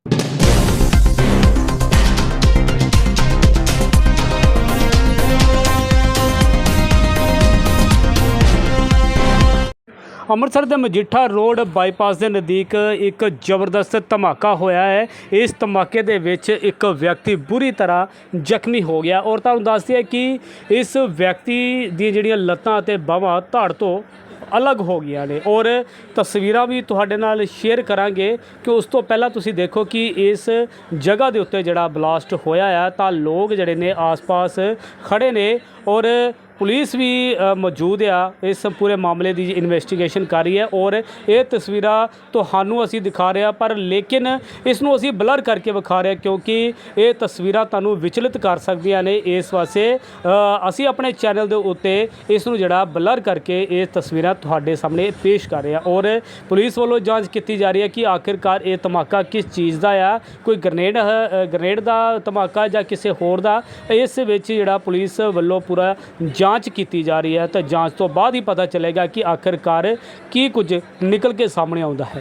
ਅੰਮ੍ਰਿਤਸਰ ਦੇ Majitha road bypass ਦੇ ਨਜ਼ਦੀਕ ਇੱਕ ਜ਼ਬਰਦਸਤ ਧਮਾਕਾ ਹੋਇਆ ਹੈ। ਇਸ ਧਮਾਕੇ ਦੇ ਵਿੱਚ ਇੱਕ ਵਿਅਕਤੀ ਬੁਰੀ ਤਰ੍ਹਾਂ ਜ਼ਖਮੀ ਹੋ ਗਿਆ ਔਰ ਤੁਹਾਨੂੰ ਦੱਸਦੀ ਹੈ ਕਿ ਇਸ ਵਿਅਕਤੀ ਦੀਆਂ ਜਿਹੜੀਆਂ ਲੱਤਾਂ ਅਤੇ ਬਾਹਾਂ ਧੜ ਤੋਂ ਅਲੱਗ ਹੋ ਗਈਆਂ ਨੇ ਔਰ ਤਸਵੀਰਾਂ ਵੀ ਤੁਹਾਡੇ ਨਾਲ ਸ਼ੇਅਰ ਕਰਾਂਗੇ ਕਿ ਉਸ ਤੋਂ ਪਹਿਲਾਂ ਤੁਸੀਂ ਦੇਖੋ ਕਿ ਇਸ ਜਗ੍ਹਾ ਦੇ ਉੱਤੇ ਜਿਹੜਾ ਬਲਾਸਟ ਹੋਇਆ ਆ ਤਾਂ ਲੋਕ ਜਿਹੜੇ ਨੇ ਆਸ-ਪਾਸ ਖੜੇ ਨੇ ਔਰ ਪੁਲਿਸ ਵੀ ਮੌਜੂਦ ਆ ਇਸ ਪੂਰੇ ਮਾਮਲੇ ਦੀ ਇਨਵੈਸਟੀਗੇਸ਼ਨ ਕਰ ਰਹੀ ਹੈ ਔਰ ਇਹ ਤਸਵੀਰਾਂ ਤੁਹਾਨੂੰ ਅਸੀਂ ਦਿਖਾ ਰਹੇ ਹਾਂ ਪਰ ਲੇਕਿਨ ਇਸ ਨੂੰ ਅਸੀਂ ਬਲਰ ਕਰਕੇ ਵਿਖਾ ਰਹੇ ਕਿਉਂਕਿ ਇਹ ਤਸਵੀਰਾਂ ਤੁਹਾਨੂੰ ਵਿਚਲਿਤ ਕਰ ਸਕਦੀਆਂ ਨੇ। ਇਸ ਵਾਸਤੇ ਅਸੀਂ ਆਪਣੇ ਚੈਨਲ ਦੇ ਉੱਤੇ ਇਸ ਨੂੰ ਜਿਹੜਾ ਬਲਰ ਕਰਕੇ ਇਹ ਤਸਵੀਰਾਂ ਤੁਹਾਡੇ ਸਾਹਮਣੇ ਪੇਸ਼ ਕਰ ਰਹੇ ਹਾਂ ਔਰ ਪੁਲਿਸ ਵੱਲੋਂ ਜਾਂਚ ਕੀਤੀ ਜਾ ਰਹੀ ਹੈ ਕਿ ਆਖਿਰਕਾਰ ਇਹ ਧਮਾਕਾ ਕਿਸ ਚੀਜ਼ ਦਾ ਆ, ਕੋਈ ਗ੍ਰਨੇਡ ਦਾ ਧਮਾਕਾ ਜਾਂ ਕਿਸੇ ਹੋਰ ਦਾ। ਇਸ ਵਿੱਚ ਜਿਹੜਾ ਪੁਲਿਸ ਵੱਲੋਂ ਪੂਰਾ ਜਾਂਚ ਕੀਤੀ ਜਾ ਰਹੀ ਹੈ ਤਾਂ ਜਾਂਚ ਤੋਂ ਬਾਅਦ ਹੀ ਪਤਾ ਚੱਲੇਗਾ ਕਿ ਆਖਿਰਕਾਰ ਕੀ ਕੁਝ ਨਿਕਲ ਕੇ ਸਾਹਮਣੇ ਆਉਂਦਾ ਹੈ।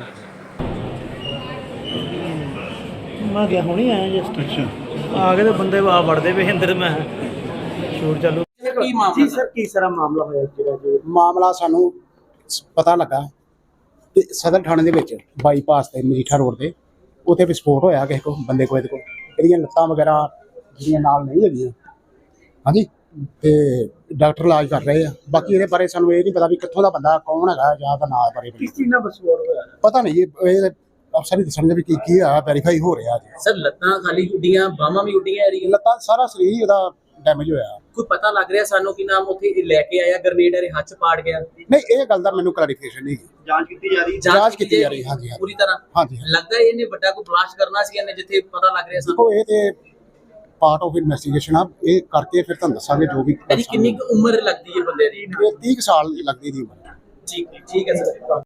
मैं गया होनी आया जस्ट अच्छा आगे तो बंदे वड़ते पे अंदर मैं शूट चालू जी सर की सारा मामला होया मामला सानू पता लगा ते सदर थाने दे विच बाईपास ते मजीठा रोड ते उत्थे विस्फोट होया किसी को बंदे को इहदियां लत्तां वगैरह जिहड़ियां नाल नहीं हैगियां हाँ जी ते डॉक्टर इलाज कर रहे हैं। बाकी ये बारे सानू ये नहीं पता भी कित्थों दा बंदा कौन है या दा नाम बारे किस चीज़ नाल विस्फोट होया पता नहीं ये अफसर ही दसणगे भी की आ वेरीफाई हो रहा है सर। लत्तां खाली उड्डियां बाहां भी उड्डियां रही लत्तां सारा शरीर ही ਉਹਦਾ डैमेज होया। कोई पता लग रहा सानू कि नाम उत्थे लेके आया ग्रेनेड हरे हाथ च पाड़ गया नहीं ये गल दा मैनू क्लैरिफिकेशन नहीं जांच कीती जा रही हां जी पूरी तरह हां जी लगदा है इन्हें बड़ा कोई ब्लास्ट करना सी इन्हें जिथे पता लग रहा सानू देखो ये ते पार्ट ऑफ इन्वेस्टिगेशन आ ये करके फिर तुहानू दसांगे जो भी कितनी उम्र लगदी है बंदे दी 30 साल लगदी दी उम्र ठीक है सर।